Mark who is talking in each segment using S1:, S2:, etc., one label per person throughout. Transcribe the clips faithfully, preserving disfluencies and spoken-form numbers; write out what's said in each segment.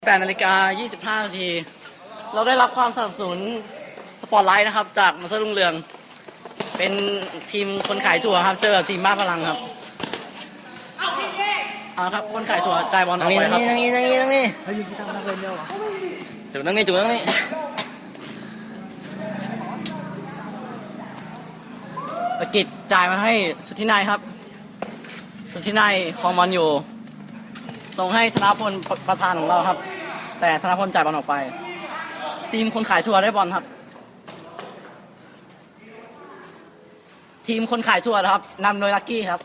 S1: แปดนาฬิกายี่สิบห้านาทีเราได้รับความสนับสนุนสปอร์ตไลท์นะครับจากมาสเตอร์รุ่งเรืองเป็นทีมคนขายถั่วครับเจอกับทีมบ้าพลังครับเอาครับคนขายถั่วจ่ายบอลออกไปครับนั่งนี่นั่งนี่นั่งนี่นั่งนี่ให้ยืนกีตาร์นักเรียนเดียวเหรอจุดนั่งนี่จุดนั่งนี่ประกิตจ่ายมาให้สุทธินัยครับสุทธินัยคลองบอลอยู่ส่งให้ธนพลประธานของเราครับแต่ธนพลจ่ายบอลออกไปทีมคนขายทัวร์ได้บอลครับทีมคนขายทัวร์นะครับนำโดยลักกี้ครับ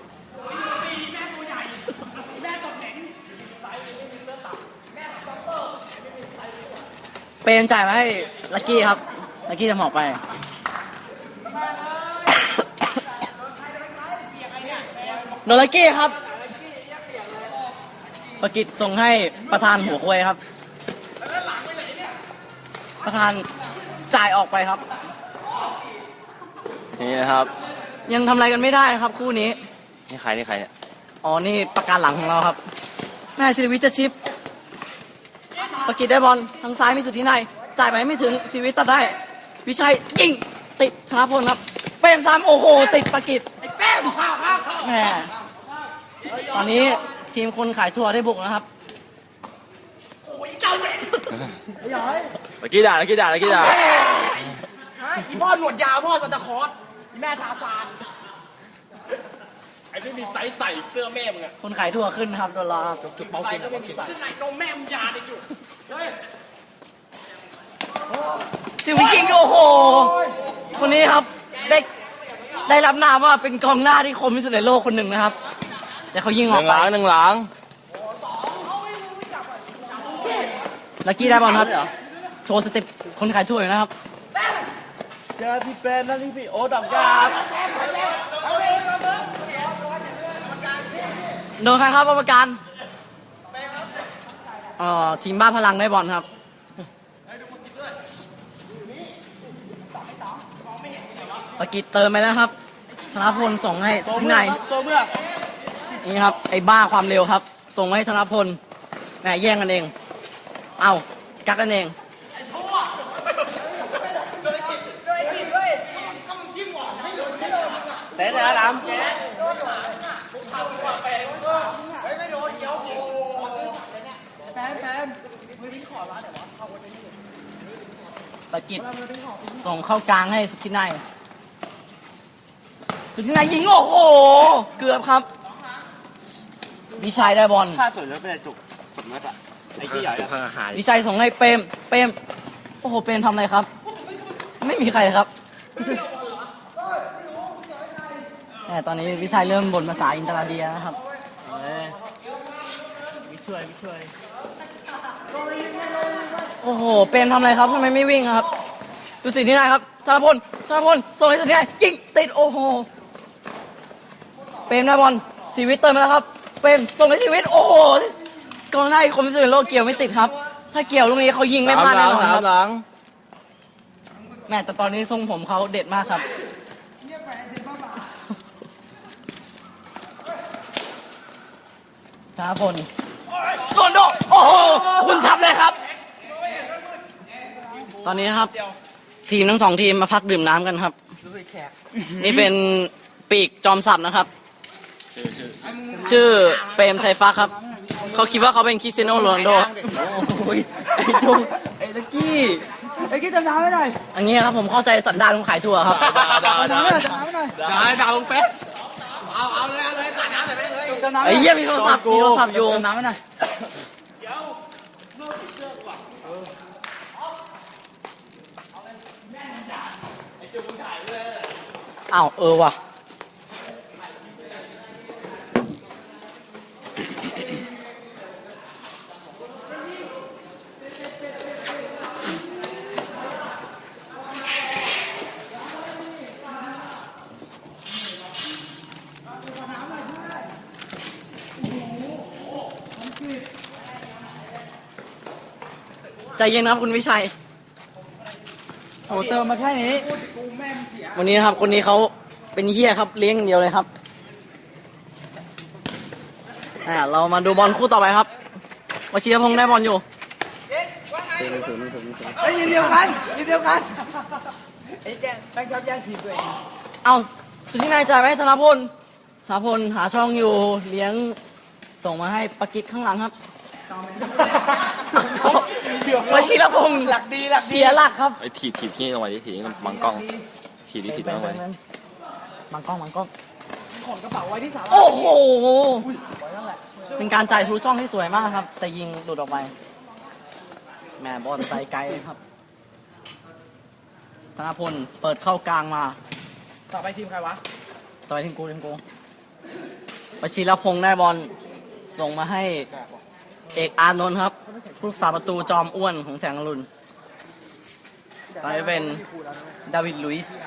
S1: เป็นจ่ายมาให้ลักกี้ครับลักกี้จะหมอกไปโดยลักกี้ครับประกิตส่งให้ประธานหัวควยครับประธานจ่ายออกไปครับ
S2: นี่นะครับ
S1: ยังทำอะไรกันไม่ได้ครับคู่นี้
S2: นี่ใครนี่ใครเนี่ย
S1: อ๋อนี่ประการหลังของเราครับแม่ศิริวิทย์จะชิปประกิตได้บอลทางซ้ายมีสุดที่ไหนจ่ายไปไม่ถึงศิริวิทย์ตัดได้วิชัยยิงติดธนพลครับเป้งซ้ำโอ้โหติดประกิตแม่ตอนนี้ทีมคนขายทัวร์ได้บุกนะครับ
S3: โอ้ยเจ้าเด็ก
S2: เมื่อกี้ด่าเมื่อกี้ด่าเมื่อกี้ด่า
S3: ฮะอีพ่อหนวดยาวพ่อซันตาคลอสอีแม่ทาซานไอ้ไม่มีไซส์ใส่เสื้อแม่มึงอะ
S1: คนขายทัวร์ขึ้นนะครับโดนล้อจุดเบาเก่ง
S3: ชื่อไหนนมแม่มึงยาในจุด
S1: ซิวิกิงโอ้โหคนนี้ครับได้ได้รับนามว่าเป็นกองหน้าที่คมที่สุดในโลกคนหนึ่งนะครับแต่เขายิงออกไป
S2: หนึ่งหลัง
S1: ลักกี้ได้บอลครับโชว์สเต็ปคนขายถ้วยนะครับ
S2: เจอพี่เป็นนั่นนี่พี่โอ๊ตดับยา
S1: โดนใครครับกรรมการเอ่อทีมบ้าพลังได้บอลครับปากิตเติมไปแล้วครับธนพลส่งให้สุธินัยนี่ครับไอ้บ้าความเร็วครับส่งให้ธนพลแหมแย่งกันเองเอ้ากักกันเอง
S2: เตะเลยนะดำ
S1: ปากิตส่งเข้ากลางให้สุธินัยสุธินัยยิงโอ้โหเกือบครับวิชัยได้บอล
S2: ถ้าสวยแล้วเป็นจุกสมมติอะไอ้ที่ใหญ่อะ
S1: วิชัยส่งให้เปรมเปรมโอ้โหเปรมทำอะไรครับไม่มีใครครับแต่ตอนนี้วิชัยเริ่มบ่นภาษาอินเตอร์เดียนะครับวิช่วยวิช่วยโอ้โหเปรมทำอะไรครับทำไมไม่วิ่งครับดูสิที่ไหนครับธนพลธนพลส่งให้สุดที่ไหนยิงติดโอ้โหเปรมได้บอลชีวิตเติมมาแล้วครับเปรมส่งให้ชีวิตโอ้โหกองหน้าอีกคนที่สุดในโลกเกี่ยวไม่ติดครับถ้าเกี่ยวลูกนี้เขายิงไม่พลาดแน่นอนครับแม่แต่ตอนนี้ทรงผมเขาเด็ดมากครับธนพลโดนโดโอ้โหคุณทำเลยครับตอนนี้นะครับทีมทั้งสองทีมมาพักดื่มน้ำกันครับนี่เป็นปีกจอมสับนะครับชื่อเปรมไซฟ้าครับเขาคิดว่าเขาเป็นคริสเตียโนโรนัลโดโอ้ยไอ้จุงไอ้ลักกี้ไอ้กี้จำน้ำไม่ได้อันนี้ครับผมเข้าใจสันดานของขายถั่วครับ
S2: ด่าด่าด่าด่าด่าลงเป๊ะ
S3: เอาเอาเลยเอาเลยตัดน้ำแต่ไม่เลย
S1: ไอ้เหี้ยมีโทรศัพท์มีโทรศัพท์อยู่น้ำไม่ได้อ้าวเออว่ะใจเย็นครับคุณวิชัยโอ้เติมมาแค่นี้วันนี้ครับคนนี้เขาเป็นเหี้ยครับเลี้ยงเดียวเลยครับ อ่าเรามาดูบอลคู่ต่อไปครับวชิรพงษ์ได้บอลอยู่จริงถึงถึงถึง
S3: เฮ้ยเดียวกันเดียวกันไอ้แกแม่งชอบแย่งทีมตัวเอง
S1: เอาสุดที่นายจ่ายไปให้ธนพลธนพลหาช่องอยู่เลี้ยงส่งมาให้ปากิจข้างหลังครับวชิรพงศ์
S3: หลักดีหลักดี
S1: เสียหลักครับ
S2: ไอ้ถีบถีบที่ลงไปดิถีบบังกล้องถีบดิถีบลงไป
S1: บังกล้องบังกล้อง
S3: ขนกระเป๋าไว้ที่สา
S1: โอ้โหเป็นการจ่ายทะลุช่องที่สวยมากครับ แต่ยิงหลุดออกไปแหม่บอลไปไกลครับธนพลเปิดเข้ากลางมา
S3: ต่อไปทีมใครวะ
S1: ต่อยทีมกูทีมกูวชิรพงศ์ได้บอลส่งมาให้เอกอานนท์ครับผู้สาประตูจอมอ้วนของแสงอรุณไปเป็นดาวิดลุยส์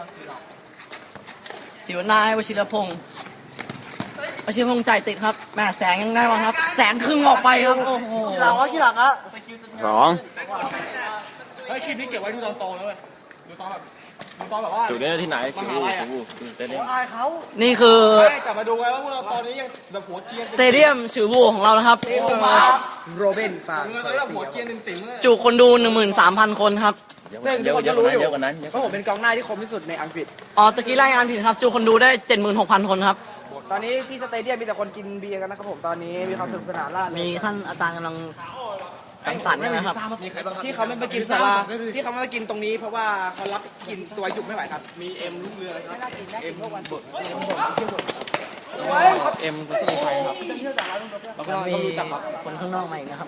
S1: สิวนาให้วชิรพงศ์วชิรพงศ์จ่ายติดครับแม่แสงยังได้บอลครับ แสงครึ่งออกไปครับโอ้โหหลังว่ากี่หลังอะ
S2: สอง
S3: เฮ้ยคลิปนี้เก็บไว้ดูตอนโตแล้วเว้ยดูตอนแบบดูตอนแบบว่า
S2: จุดนี้ที่ไหนชิวชิวเต้น
S3: อายเขา
S1: นี่คือ
S3: ไม่กลับมาดูไงว่าพวกเราตอนนี้ยังแบบหัวเกียร์
S1: สเตเดียมฉือบูของเรานะครับ
S3: โอ้มาโรเบนฝากแล้วหัวเกียร์หนึ่งติ๋งเลย
S1: จุคนดู หนึ่งหมื่นสามพัน คนครับ
S3: ซึ่ง
S2: เย
S3: ทุก
S2: อะ
S3: คน
S2: เย
S3: ก็
S2: อะกว่า
S3: รู้
S2: นั้น
S3: อยู่
S2: เยอะกว่านั้นเยอะ
S3: เพราะผมเป็นกองหน้าที่คมที่สุดในอังกฤษ
S1: อ๋อตะกี้รายงานผิดครับ จุคนดูได้ เจ็ดหมื่นหกพัน คนครับ
S3: ตอนนี้ที่สเตเดียมมีแต่คนกินเบียร์กันนะครับผมตอนนี้มีความสนุกสนานล่าเริง
S1: มีท่านอาจารย์กำลังสังสรรค์กันนะครับ
S3: ที่เขาไม่ไปกินสาราที่เขาไม่ไปกินตรงนี้ เพราะว่าเขารับกินตัวยุบไม่ไหวครับ มีเอ็มลูกเรือครับเอ็มพวกวันบดเอ็มบดเที่ยวบด
S1: เอ็มกุศลชัยครับ
S3: แล้วก็
S1: มี
S3: รู้จักครับ
S1: คนข้างนอกมาอีกนะครับ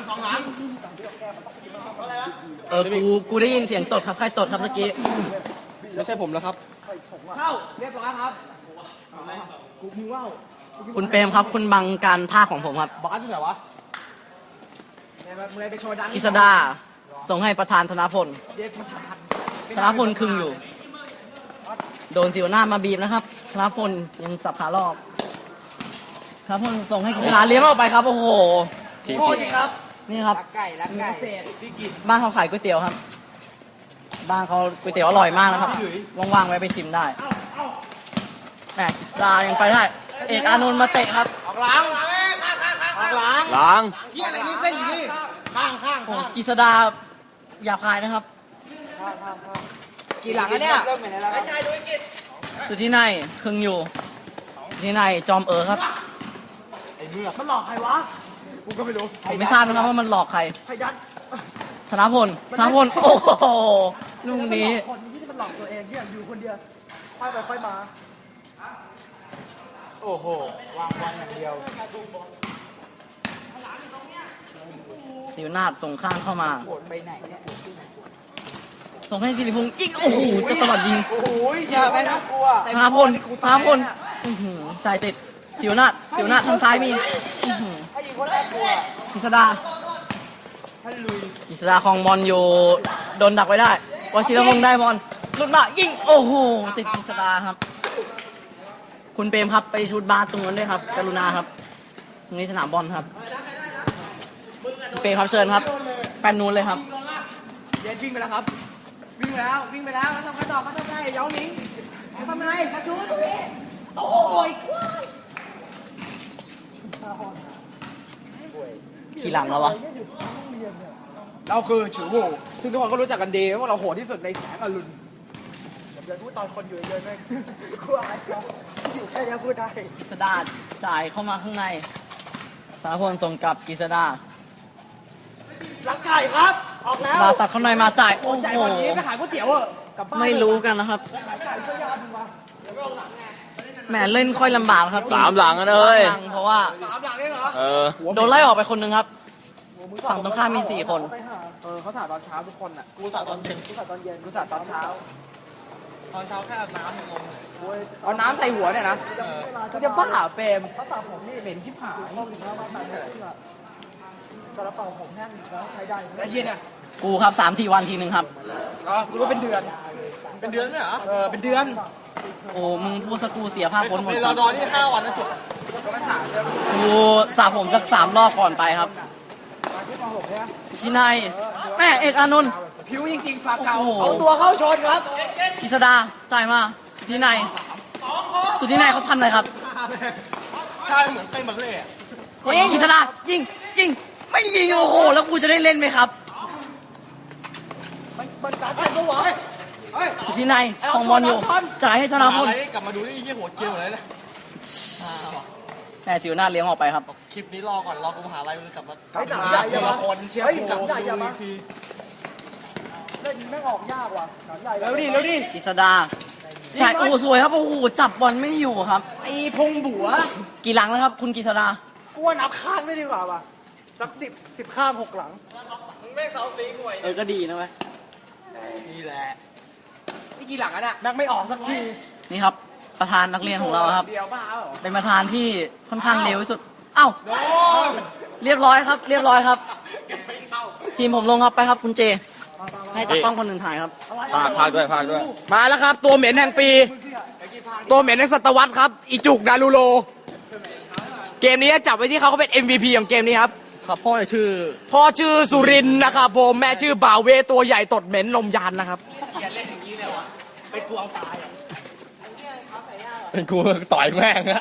S1: เออ กู กูได้ยินเสียงตดครับ ใครตดครับเมื่อกี้
S3: ไม่ใช่ผมแล้วครับเข้าเรียบร้อยครับกูมึงว่าว
S1: คุณเปรมครับ คุณบังการภาคของผมครับ
S3: บาสอยู่ไหนวะมึงเลยไปโชว์ดัง
S1: กิษดา ส่งให้ประธานธนพล
S3: เด็กประธาน
S1: ธนพลครึ่งอยู่ โดนสิวหน้ามาบีบนะครับ ธนพลยังสับขารอบธนพลส่งให้กิษดาเลี้ยงออกไปครับ โอ้โห
S2: ทีม
S3: โอ้
S2: ที
S3: จริงครับ
S1: นี่ครับ
S3: รักไก่รักไก่เศษพี่กิน
S1: บ้านเขาขายก๋วยเตี๋ยวครับ บ้านเขาก๋วยเตี๋ยวอร่อยมากนะครับ ว่างๆไว้ไปชิมได้แหมกิษดายังไปได้ เอกอานนท์มาเตะครับ
S3: ออกหลังออกหลัง
S2: ล้าง
S3: เฮียอะไรนี่เส้นอยู่นี่ข้างข้าง
S1: โอ้กิษดาหยาบคายนะครับ
S3: กี่หลังอะเนี่ยเริ่มเหมือนแล้วไม่ใช่ด้วยกิน
S1: สุดที่ในครึ่งอยู่สุดที่ในจอมเอ๋อครับ
S3: ไอ้เมือกมันหลอกใครวะกูก็ไม่รู้
S1: ผมไม่ทราบนะครับว่ามันหลอกใคร
S3: ไอ้ยัด
S1: ธนพลธนพลโอ้โหลูกนี้
S3: คนที่มันหลอกตัวเองเนี่ยอยู่คนเดียวค่อยไปค่อยมาโอ้โหวางวันอย่างเดียว
S1: สิวนาถส่งข้างเข้ามา
S3: โหดไปไหนเนี่ย
S1: ส่งให้สิริพงษ์ยิงโอ้โหจะตลอดยิง
S3: โอ้โหอย่าไปนะกลัว
S1: ธนพลธนพลอื้อหือจ่ายติดสิวนาถสิวนาถทางซ้ายมีอื้อหือ
S3: ถ้ายิงคนแรกกลัว
S1: กิษดา
S3: ถ้าลุย
S1: กิษดาคลองบอลอยู่โดนดักไว้ได้วชิรพงษ์ได้บอลหลุดมายิงโอ้โหติดกิษดาครับ คุณเปรมครับไปชูดบาสตรงนั้นด้วยครับ กรุณาครับตรงนี้สนามบอลครับคุณเปรมครับเชิญครับแปนนูนเลยครับ
S3: เย็นวิ่งไปแล้วครับ วิ่งไปแล้ววิ่งไปแล้วแล้วทำไงต่อเขาทำไงเย้าหนิงเขาทำไงกระชุดโอ้ย
S1: ขี่หลังแล้ววะ
S3: เราคือฉือโหซึ่งทุกคนก็รู้จักกันดีว่าเราโหดที่สุดในแสงอรุณเดี๋ยวพูดตอนคนอยู่เยอะๆเลยกลัวอะไรครับอยู่แค่นี้พูดได้
S1: กิษดาจ่ายเข้ามาข้างในสารพลส่งกลับกิษดา
S3: รักไก่ครับ ออกแล้ว
S1: ลาตัดเข้าในมาจ่ายโอ้
S3: ใจ
S1: โห
S3: วันนี้ไปขายก๋วยเตี๋ยวเออกลับบ้าน
S1: ไม่รู้กันนะครับแหมเล่นค่อยลำบากครับ
S2: สามหลังกันเลย
S1: สามหลังเพราะว่า
S3: สามหลังเองเหรอ
S2: เออ
S1: โดนไล่ออกไปคนหนึ่งครับ ฝั่งตรงข้ามมีสี่คน
S3: เออเขาถ่ายตอนเช้าทุกคนอ่ะกูสาตอนเย็นกูสาตอนเย็นกูสาตอนเช้า ตอนเช้าแค่อาบน้ำงงเอาน้ำใส่หัวเนี่ยนะกูจะบ้าเปรมเขาตัดผมนี่เหม็นชิบหายกระเป๋าผมแห้งแล้วใช้ได้ไอ้เหี้ยเนี่ย
S1: กูครับสามสี่วันทีหนึ่งครับ
S3: อ๋อกูรู้เป็นเดือน เป็นเดือนไหมเหรอ เออ เป็นเดือน
S1: โอ้มึงพูดสกกูเสียภาพพ้นหมด
S3: เป็น
S1: ค
S3: รอ
S1: รับ
S3: ดอนี่ห้าวันนะจุดก็ไม่สามใช่ไหม
S1: กูสระผมสักสามรอบก่อนไปครับ
S3: ที่มหกเนี่ย
S1: ที่ในแม่เอกอานนท์
S3: ผิวจริงๆฝาเก่า
S1: โอ้โห
S3: เอาตัวเข้าชนครับ
S1: กิษดาจ่ายมาสุดที่ในสุดที่ในเขาทำอะไรครับ
S3: ใช่เหมือนเต้นบัลเล่ต์
S1: กิษดายิงยิงไม่ยิงโอ้โหแล้วกูจะได้เล่นไหมครับ
S3: กมันการแต่งตัววะ
S1: สุดที่ในของบอลอยู่จ่ายให้ธนาพล
S2: กลับมาดูนี่ยี่หัวเกลียวเลยนะ
S1: แม่สิวหน้าเลี้ยงออกไปครับ
S2: คลิปนี้รอก่อนรอกูมหาลัยกูกลับมา
S3: ไอ้หนังใหญ่อย่ามา
S2: คนเชียร์
S3: เฮ้ย
S2: กู
S3: หนังใหญ่อย่ามาเล่นแม่งออกยากว่ะหนังใหญ่แล้วดิแล้วดิ
S1: กิษดาจ่ายโอ้สวยครับโอ้โหจับบอลไม่อยู่ครับ
S3: ไอ้พงบัว
S1: กี่หลังแล้วครับ คุณกิษดา
S3: กูว่านับข้างได้ดีกว่าป่ะสักสิบสิบข้างหกหลัง
S1: เออก็ดีนะเว้ย
S2: นี่แหละ
S3: นี่กี่หลังอ่ะน่ะนักไม่ออกสักที
S1: นี่ครับ ประธานนักเรียนของเราครับ
S3: เดียวบ้าเหรอ
S1: เป็นประธานที่ค่อนข้างเร็วที่สุดเอ้าเรียบร้อยครับ เรียบร้อยครับ ทีมผมลงครับไปครับคุณเจ ให้ตากล้องคนอื่นถ่ายครับ
S4: พากพากด้วยพากด้วย
S3: มาแล้วครับ ตัวเหม็นแห่งปี ตัวเหม็นในศตวรรษครับอีจุกดารูโล เกมนี้จับไว้ที่เขาเขาเป็น เอ็ม วี พี ของเกมนี้ครับ
S2: ครับพ่อชื่อ
S3: พ่อชื่อสุรินทร์นะครับผมแม่ชื่อบ่าวเวตัวใหญ่ตดเหม็นนมยานนะครับ
S2: เป็นกูต่อยแม่งนะ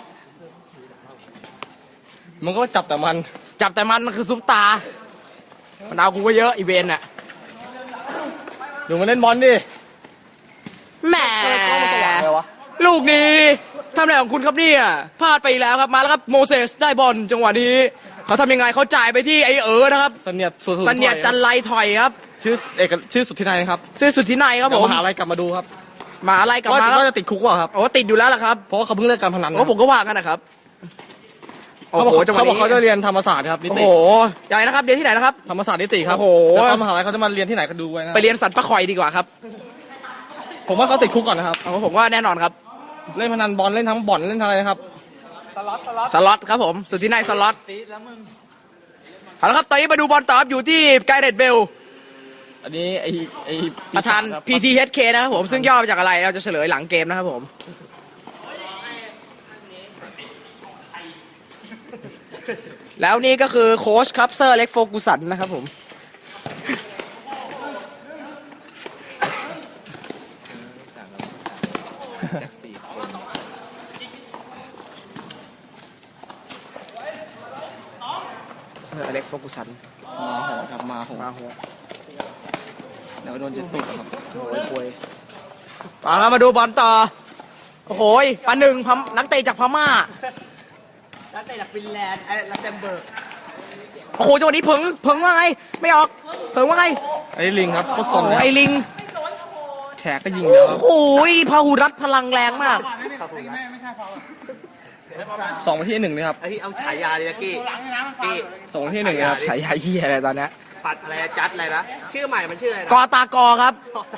S2: มันก็จับแต่มัน
S3: จับแต่มันมันคือซุปตามันเอากูก็เยอะอีเวนต์น่ะ
S2: ดูมันเล่นบอลดิ
S3: แหม
S2: อะไรวะ
S3: ลูกนี้ทำอะไรของคุณครับเนี่ยพลาดไปอีกแล้วครับมาแล้วครับโมเสสได้บอลจังหวะนี้เขาทำยังไงเขาจ่ายไปที่ไอเอ๋อนะครับ
S2: เสนียดสุดๆ
S3: สัญญาจันไรถอยครับ
S2: ชื่อเอกชื่อสุดที่ไหนครับ
S3: ชื่อสุดที่ไหนครับ
S2: เดี๋
S3: ผ
S2: ยว
S3: ม
S2: มหาลัยกลับมาดูครับ
S3: มาอะไรกลับ
S2: ว่า
S3: มาครับ
S2: ว่าจะติดคุกเปล่าครับ
S3: โอ้ติดอยู่แล้วล่ะครับ
S2: เพราะว่าเขาเพิ่งเลิกการพนันนะ
S3: โอ้ผมก็ว่ากันนะครับโอ้
S2: เขาบอ
S3: โห
S2: ก
S3: จังหวะ
S2: เขาบอก
S3: นี้
S2: เขาจะเรียนธรรมศาสตร์ครับนิ
S3: โอ้
S2: ติ
S3: โหอย่างไรนะครับเรียนที่ไหนนะครับ
S2: ธรรมศาสตร์นิติครับ
S3: โอ้โห
S2: แล้วตอนมหาลัยเขาจะมาเรียนที่ไหนก็ดูไว้นะ
S3: ไปเรียนสันปะคอยดีกว่าครับ
S2: ผมว่าเขาติดคุกก่อนนะครับ
S3: โอ้ผมว่าแน่นอนครับ
S2: เล่นพนันบอลเล่นทั้งบ่อนเล่นทั้งอะไรนะครับ
S3: สล็อตครับผมสุดที่ไหนสล็อตเอาละครับตอนนี้มาดูบอลต่อครับอยู่ที่ไกเรตเบล
S2: อันนี้ไอไอ
S3: ประธาน พี ที เอช เค นะครับผมซึ่งย่อมาจากอะไรเราจะเฉลยหลังเกมนะครับผม แล้วนี่ก็คือโค้ชครับเซอร์เล็กโฟกุสันนะครับผมเซอร์เล็กโฟกุสัน
S2: มาโหดครับมาโหด
S3: มาหัว
S2: เดี๋ยวโดนเจ็ดตุกครับ
S3: โอ้ยคุยมาครับมาดูบอลต่อ โอ้โหยปาหนึ่งพมนักเตะจากพม่า
S1: นักเตะจากฟินแลนด์ไอ้ลักเซมเบิร์ก
S3: โอ้โหจังหวะนี้เพิงเพิงว่าไง ไม่ออก เพิงว่าไง
S2: ไอ้ลิงครับโคตรส
S3: โอ้
S2: น
S3: โห
S2: เลย
S3: ไอ้ลิง
S2: แขกก็ยิงเยอะ
S3: โอ้โหยพาหุรัตพลังแรงมาก
S2: สองวันที่หนึ่งเลยครับ
S1: ไอ้ที่เอาฉายาเลยกี้กี้
S2: สองวันที่หนึ่งเลยครับ
S3: ใช้ยาเหี้ยอะไรตอนเนี้ย
S1: ปัดอะไรจัดอะไรนะชื่อใหม่มันชื่ออะไร
S3: กอตากอครับ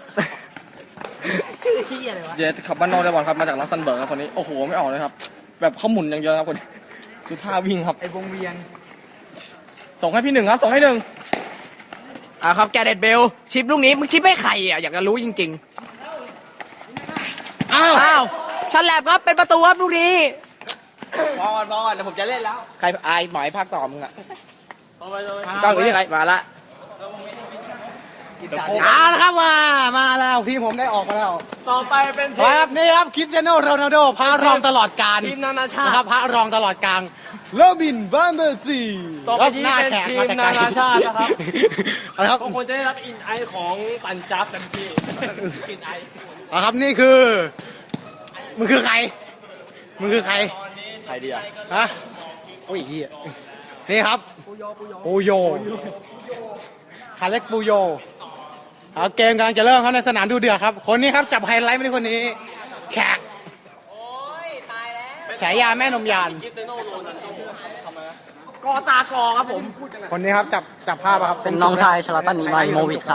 S1: ชื่อที่อะไรวะ
S2: เจสขับบ้านนอกได้บอลครับมาจากลักเซมเบิร์กครับคนนี้โอ้โหไม่ออกเลยครับ แบบเขาหมุนอย่างเดียวครับคนนี้ดูท่าวิ่งครับ
S3: ไอ้วงเวียน
S2: ส่งให้พี่หนึ่งครับส่งให้หนึ่ง
S3: อ่าครับแกเรตเบล ชิปลูกนี้มึงชิปให้ใครอ่ะอยากจะรู้จริง
S2: อ้าว
S3: ๆ อ้าวชันแลบครับเป็นประตูครับลูกนี้
S1: มองก่อนมองก่อนเดี๋ยวผมจะเล่นแล้ว
S3: ใครอายหมอยภาคต่อมึงอ่ะกล้องอยู่ที่ใครมาละ
S4: เอาละครับมามาแล้วทีมผมได้ออกมาแล้ว
S1: ต่อไปเป็นที
S4: ครับนี่ครับคริสเตียโนโรนัลโดพระรองตลอดกาล
S1: ทีมนานาชา
S4: นะค
S1: ติ
S4: รับพระรองตลอดกาลโรบินvanเบอร์ซี
S5: ต่อไปนี้เป็นทีมนานาชาตินะครับ
S4: เอาละครับ
S5: บางคนจะได้รับอินไอของปันจับเต็มที่อินไอ
S4: เอาละครับนี่คือมึงคือใครมึงคือใครใครดีอ่ะฮะโอ้ยเหี้ยนี่ครับปูโยปูโยคาเล็กปูโยเอาเกมกำลังจะเริ่มครับในสนามดูเดือดครับ คนนี้ครับจับไฮไลท์ไม่ได้คนนี้ แขกฉายาแม่นมยาน
S3: กอตากอครับผม
S4: คนนี้ครับจับจับภาพอะครับ
S1: เป็นน้องชายชลาตันอิบราฮิโมวิชครับ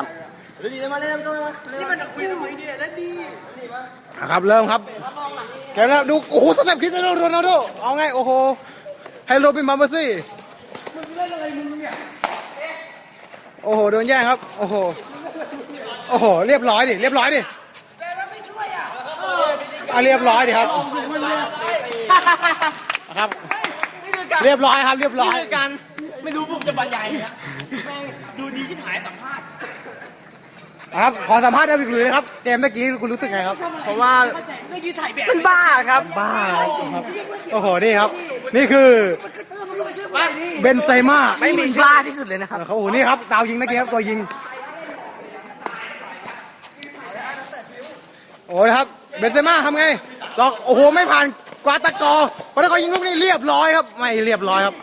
S4: นะครับเริ่มครับเกมแล้วดูโอ้โหสเต็ปคริสเตียโนโรนัลโดเอาไงโอ้โหให้โรบินมาเบอร์ซี่โอ้โหโดนแย่งครับโอ้โหโอ้โหเรียบร้อยดิเรียบร้อยดิอ่ะเรียบร้อยดิครับครับเรียบร้อยครับเรียบร้อย
S5: การไม่รู้ผมจะบรรยายนะแม่งดูดีชิบหายสัมภาษณ์
S4: ครับขอสัมภาษณ์ได้อีกเลยนะครับเกมเมื่อกี้คุณรู้สึกไงครับ
S3: เพราะว่าเป็นบ้าครับ
S4: บ้าครับโอ้โหนี่ครับ นี่คือเบนเซม่า
S1: ไม่มีบ้าที่สุดเลยนะครับ
S4: เขาโอ้โหนี่ครับดาวยิงเมื่อกี้ครับตัวยิงโอ้นะครับเบนเซม่าทำไงหลอกโอ้โหไม่ผ่านกวาตะกอร์กวาตะกอร์ยิงลูกนี้เรียบร้อยครับไม่เรียบร้อยครับ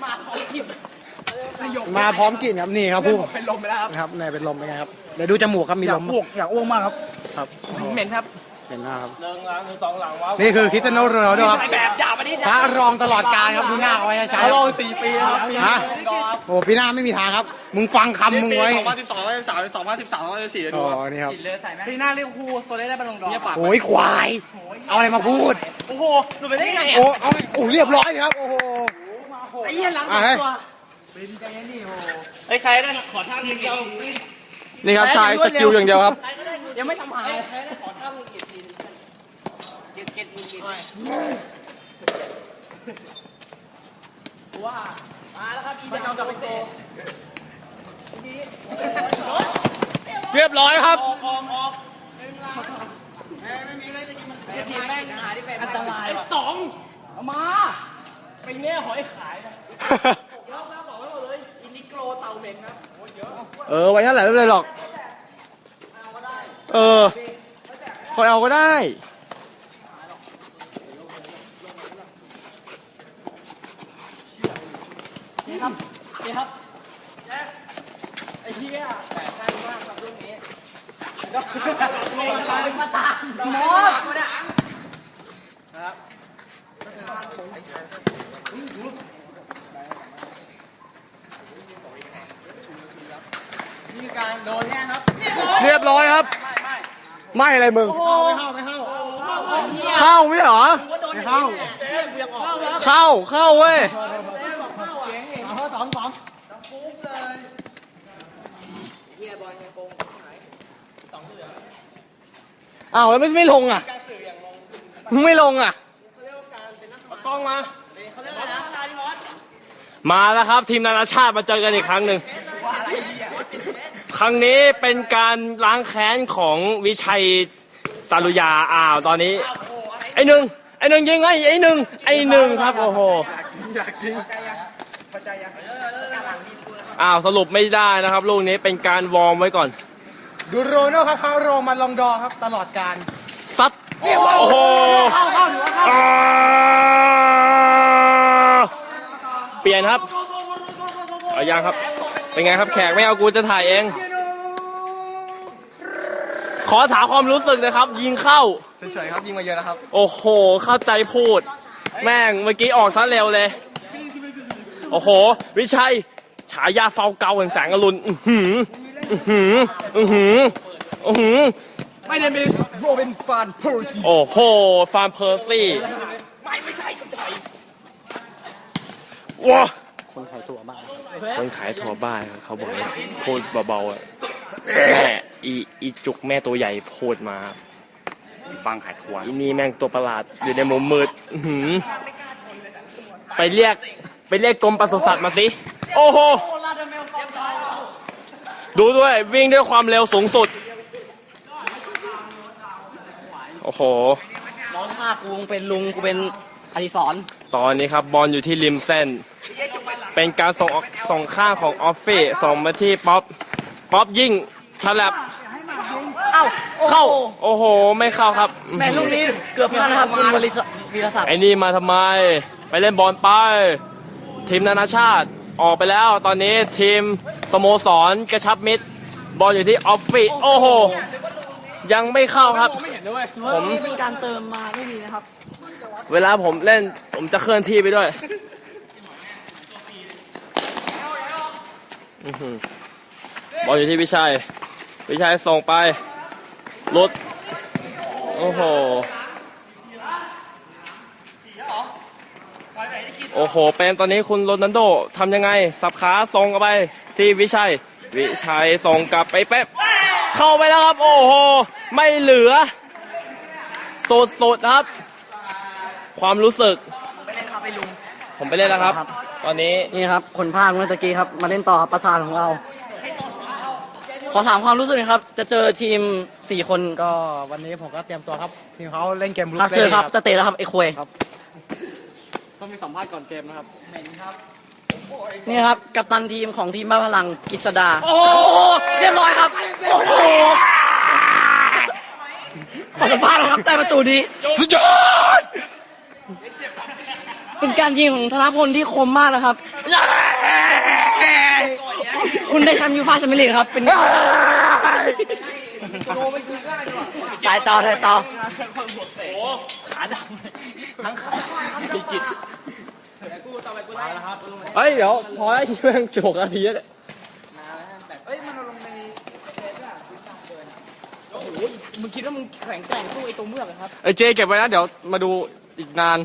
S4: มาพร้อมกลิ่นครับนี่ครับผู้
S3: เป็นลมไปแล้วครับ
S4: นะครับนี่เป็นลมเป็นไงครับเดี๋ยวดูจมูกครับมี
S3: อยา
S4: ล
S3: ก
S4: ม
S3: อ้วกอยากอ้วกมากครับ
S4: ครับ
S3: เหม็นครับ
S4: เห็นหน้าครับ
S5: หนึ่งหลังหนึ่งสองหลังว้าว
S4: นี่คือคริสเตียโนโรนัลโดครับ
S3: ถ่ายแบบอย่ามาดิ
S4: พระรองตลอดกาลครับดูหน้าเอาไว้ช้าๆ
S2: รอสี่ปีครับปี
S4: ฮะโอ้ปีหน้าไม่มีทางครับมึงฟังคำมึงไว้
S2: สองพันสิบสองสองพันสิบสามสองพันสิบสามสองพันสิบสี่ดู
S4: อ๋อ
S2: ครับ
S4: นี่ครับ
S3: ปีหน้าเรียกครูโซเล่ได้บอลลงดอร์
S2: เนี่ยปาก
S4: โอ้ยควายเอาอะไรมาพูด
S3: โอ้โหหลุดไปได้ไง
S4: โอ้เอาไงโอ้เรียบร้อยเลยครับโอ้โห
S3: ไอ้เหี้ยหลัง
S4: อ่ะเฮ้ย
S5: ไอ้ใครได้ขอท่าหนึ่งเดียว
S2: นี่ครับชายสกิลอย่างเดียวครับ
S3: ยังไม่ทำหาย
S5: ใครได้ขอท่าหนึ่งเกียรติเกียรติเกียรติเกียรติ
S3: ว่ามาแล้วครับอีดาวกับไปเตะ
S2: เรียบร้อยครับ
S5: ออกออกออกทีมแม่ง
S3: หาที่เป็น
S5: อันตรายว่ะต๋องเอามาไปแง่หอยขายนะ
S3: อินดิโกรเต่าเหม็นครับ
S2: เออไว้นั่นแหละไม่เป็นไรหรอกเออคอยเอาก็ได้
S3: นี่ครับนี่ครับไอ้เหี้ยแต่สั้นมากครับลูกนี้ลงมาเป็นประธานมอสครับนี่การโดนแน่ครับ
S2: เรียบร้อยครับ ไม่อะไรมึง
S4: ไม่เข้าไม่เข้า
S2: เข้าไม่เหรอ
S4: ไม่เข้า
S2: เข้าเข้าเว้ย
S4: เอาเข้าสองสอง
S2: อ้าวแล้วไม่ไม่ลงอ่ะไม่ลงอ่ะ
S5: กล้องมามาแล้วครับทีมนานาชาติมาเจอกันอีกครั้งหนึ่งครั้งนี้เป็นการล้างแค้นของวิชัยสารุยาอ้าวตอนนี้ไอ้หนึ่งไอ้หนึ่งยิงไอ้ไอ้หนึ่งไอ้หนึ่งครับโอ้โห
S4: อยากจริง
S5: อ้าวสรุปไม่ได้นะครับลูกนี้เป็นการวอร์มไว้ก่อน
S4: ดูโรนัลครับพระรองมันลองดอครับตลอดการ
S5: ซัดโอ้โหอ่าเปลี่ยนครับเอายังครับเป็นไงครับแขกไม่เอากูจะถ่ายเอง ขอถามความรู้สึกนะครับ ยิงเข้า
S2: เฉยๆครับยิงมาเยอะนะครับ
S5: โอ้โห เข้าใจพูด แม่งเมื่อกี้ออกซะเร็วเลย โอ้โห วิชัย ฉายาเฝ้าเกาแห่งแสงอรุณอื้อหืออื้อหืออื้อหืออื้อหือ
S3: My name is Robin Van Persie
S5: โอ้โห ฟาร์มเพอร์ซี่
S3: ไม่ไม่ใช่สมชัย
S5: ว้า
S1: คนขายตัวบ้าง
S5: คนขายถั่วบ้านเขาบอกให้พูดเบาๆอ่ะแม่อีอีจุกแม่ตัวใหญ่พูดมาฟังขายถั่วอีนี่แม่งตัวประหลาดอยู่ในมุมมืดอื้อหือไปเรียกไปเรียกกรมปศุสัตว์มาสิโอ้โหดูด้วยวิ่งด้วยความเร็วสูงสุดโอ้โห
S1: น้องภาคกูเป็นลุงกูเป็นอดิศร
S5: ตอนนี้ครับบอลอยู่ที่ริมเส้น เป็นการส่งออกส่งข้างของออฟฟี่ส่งมาที่ป๊อปป๊อปยิงฉลับ
S1: เอ้า
S5: เข้าโอ้โหไม่เข้าครับ
S1: แม่ลูกนี้เกือบพลาดนะครับคุณวริศวีรศักดิ์
S5: ไอ้นี่มาทำไมไปเล่นบอลไปทีมนานาชาติออกไปแล้วตอนนี้ทีมสโมสรกระชับมิตรบอลอยู่ที่ออฟฟี่โอ้โหยังไม่เข้าครับ ผม
S1: นี่เป็นการเติมมาไม่ดีนะครับ
S5: เวลาผมเล่นผมจะเคลื่อนที่ไปด้วยอื้อหือบอลอยู่ที่วิชัยวิชัยส่งไปหลุดโอ้โหโอ้โหเป็นตอนนี้คุณโรนัลโดทำยังไงสับขาส่งกลับไปที่วิชัยวิชัยส่งกลับไปเป๊ปเข้าไปแล้วครับโอ้โหไม่เหลือสุดๆครับความรู้สึกผมไปเล่นแล้วครับ ตอนนี้
S1: นี่ครับคนภาคเมื่อตะกี้ครับมาเล่นต่อครับประธานของเรา ขอถามความรู้สึกหน่อยครับ จะเจอทีมสี่คน
S4: ก็วันนี้ผมก็เตรียมตัวครับทีมเขาเล่นเกมลุก
S1: ครับเจอครับจะเตะแล้วครับไอ้ควย
S2: ต้องมีสัมภาษณ์ก่อนเกมนะครับ
S1: นี่ครับกัปตันทีมของทีมบ้าพลังกฤษดาโอ้โหเรียบร้อยครับโอ้โหขอสัมภาษณ์นะครับได้ประตูนี้
S4: สุดยอด
S1: เป็นการยิงของธนพลที่คมมากนะครับ คุณได้แชมป์ยูฟ่าแชมเปี้ยนลีกครับ เป็นสายต่อสายต่อ
S2: เฮ้ย เดี๋ยว พอแล้วที่แม่งสิบหกนาทีแล้วเนี่ย
S3: มึงคิดว่ามึงแข็งแกร่งสู้ไอ้ตัวเมือกเหรอครับ
S2: ไอ้เจเก็บไว้นะ เดี๋ยวมาดูอีกนาน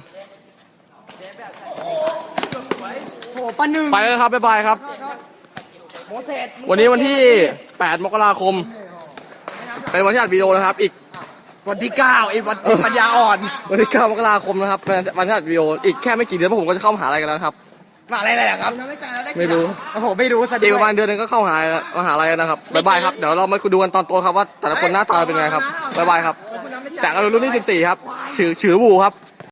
S3: โหปะหนึ่ง
S2: ไปแล้วครับ บ๊ายบายครับ
S3: โมเสส
S2: วันนี้วันที่ แปด มกราคม เป็นวันที่อัดวิดีโอนะครับ อีก
S3: วันที่เก้าไอ้วันปัญญาอ่อน
S2: วันที่ เก้า มกราคมนะครับเป็นวันที่อัดวิดีโอ อีกแค่ไม่กี่เดือนพวกผมก็จะเข้ามหาลัยกันแล้วนะครับ
S3: มาอะไรอะไรครับ
S2: ไม่รู้
S3: โอ้โหไม่รู้ซะ
S2: อีกประมาณเดือนหนึงก็เข้ามหามหาลัยแล้วนะครับ บ๊ายบายครับ เดี๋ยวเรามาดูกันตอนโตครับว่าแต่ละคนหน้าตาเป็นไงครับ บ๊ายบายครับ แสงอรุณรุ่นที่สิบสี่ครับ ฉือฉือบูครับ